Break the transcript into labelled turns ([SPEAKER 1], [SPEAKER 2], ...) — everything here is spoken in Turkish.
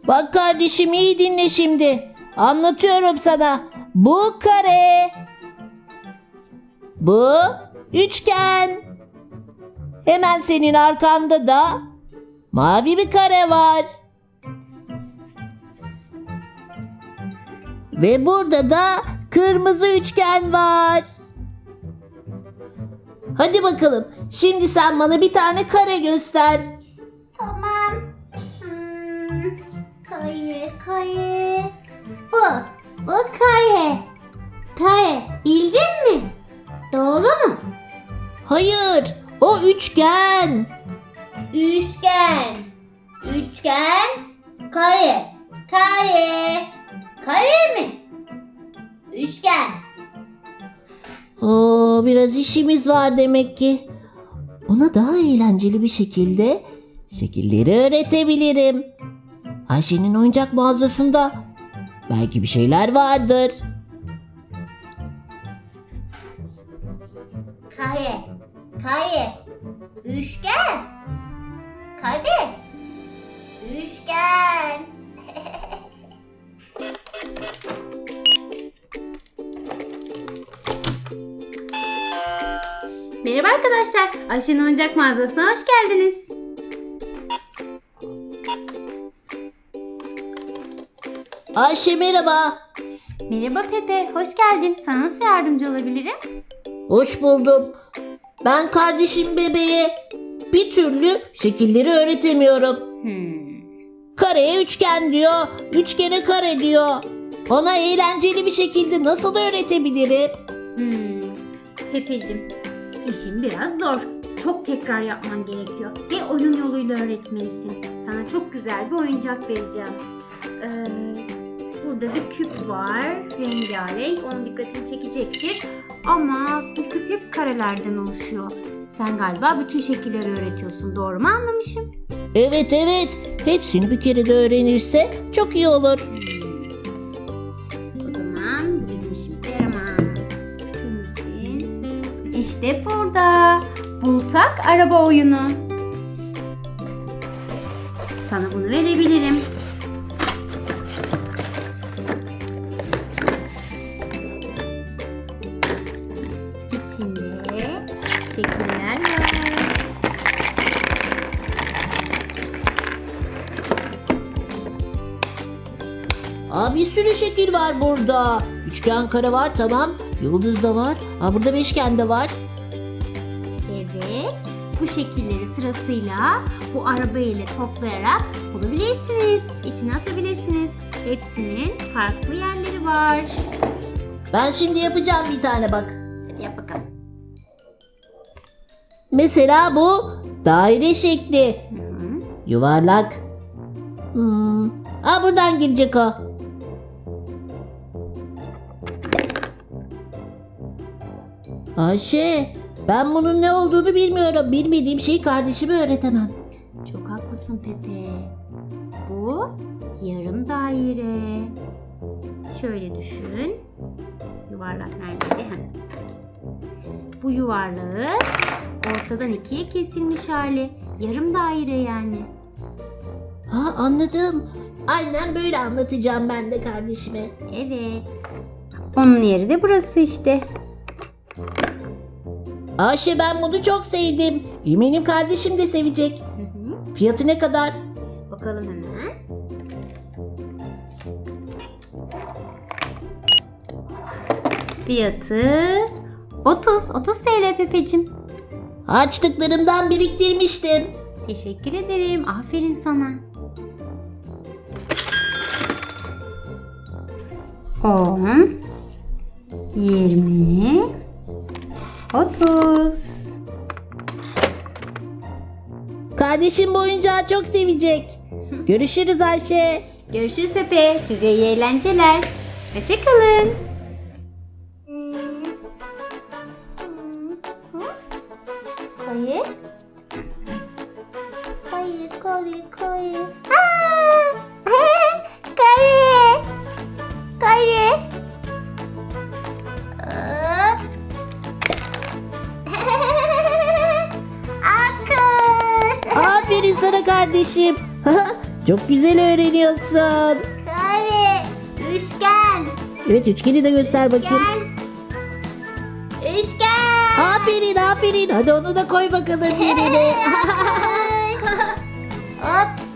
[SPEAKER 1] Bak kardeşim, iyi dinle şimdi. Anlatıyorum sana. Bu kare. Bu üçgen. Hemen senin arkanda da mavi bir kare var. Ve burada da kırmızı üçgen var. Hadi bakalım. Şimdi sen bana bir tane kare göster.
[SPEAKER 2] Tamam. Kare. Bu kare. Kare. Bildin mi? Doğru mu?
[SPEAKER 1] Hayır, o üçgen.
[SPEAKER 2] Üçgen. Kare. Kare mi? Üçgen.
[SPEAKER 1] Oo, biraz işimiz var demek ki. Ona daha eğlenceli bir şekilde şekilleri öğretebilirim. Ayşe'nin oyuncak mağazasında belki bir şeyler vardır.
[SPEAKER 2] Kare. Üçgen. Kare. Üçgen.
[SPEAKER 3] Merhaba arkadaşlar, Ayşe'nin oyuncak mağazasına hoş geldiniz.
[SPEAKER 1] Ayşe merhaba.
[SPEAKER 3] Merhaba Pepe, hoş geldin. Sana nasıl yardımcı olabilirim?
[SPEAKER 1] Hoş buldum. Ben kardeşim bebeğe bir türlü şekilleri öğretemiyorum. Kareye üçgen diyor, üçgene kare diyor. Ona eğlenceli bir şekilde nasıl öğretebilirim?
[SPEAKER 3] Pepeciğim, işin biraz zor. Çok tekrar yapman gerekiyor ve oyun yoluyla öğretmelisin. Sana çok güzel bir oyuncak vereceğim. Burada bir küp var, rengarenk. Onun dikkatini çekecektir. Ama bu küp hep karelerden oluşuyor. Sen galiba bütün şekilleri öğretiyorsun. Doğru mu anlamışım?
[SPEAKER 1] Evet. Hepsini bir kere de öğrenirse çok iyi olur.
[SPEAKER 3] O zaman bu bizim işimize yaramaz. Bunun için işte burada bultak araba oyunu. Sana bunu verebilirim. İçinde şekiller var.
[SPEAKER 1] Bir sürü şekil var burada. Üçgen, kare var, tamam. Yıldız da var. Burada beşgen de var.
[SPEAKER 3] Evet, bu şekilleri sırasıyla bu araba ile toplayarak bulabilirsiniz. İçine atabilirsiniz. Hepsinin farklı yerleri var.
[SPEAKER 1] Ben şimdi yapacağım bir tane bak.
[SPEAKER 3] Hadi yap bakalım.
[SPEAKER 1] Mesela bu daire şekli. Yuvarlak. Buradan girecek o. Ayşe, ben bunun ne olduğunu bilmiyorum. Bilmediğim şeyi kardeşime öğretemem.
[SPEAKER 3] Çok haklısın Pepe. Bu yarım daire. Şöyle düşün. Yuvarlak nerede? Bu yuvarlağı ortadan ikiye kesilmiş hali. Yarım daire yani.
[SPEAKER 1] Anladım. Aynen böyle anlatacağım ben de kardeşime.
[SPEAKER 3] Evet. Onun yeri de burası işte.
[SPEAKER 1] Ayşe, ben bunu çok sevdim. Eminim kardeşim de sevecek. Fiyatı ne kadar?
[SPEAKER 3] Bakalım hemen. Fiyatı 30 TL Pepeciğim.
[SPEAKER 1] Harçlıklarımdan biriktirmiştim.
[SPEAKER 3] Teşekkür ederim. Aferin sana. 10 20 30.
[SPEAKER 1] Kardeşim bu oyuncağı çok sevecek. Görüşürüz Ayşe.
[SPEAKER 3] Görüşürüz Pepe. Size iyi eğlenceler. Hoşçakalın.
[SPEAKER 2] Kare.
[SPEAKER 1] Aferin sana kardeşim. Çok güzel öğreniyorsun.
[SPEAKER 2] Kare. Üçgen.
[SPEAKER 1] Evet, üçgeni de göster bakayım.
[SPEAKER 2] Üçgen. Üçgen.
[SPEAKER 1] Aferin aferin. Hadi onu da koy bakalım yerine.
[SPEAKER 2] Hop.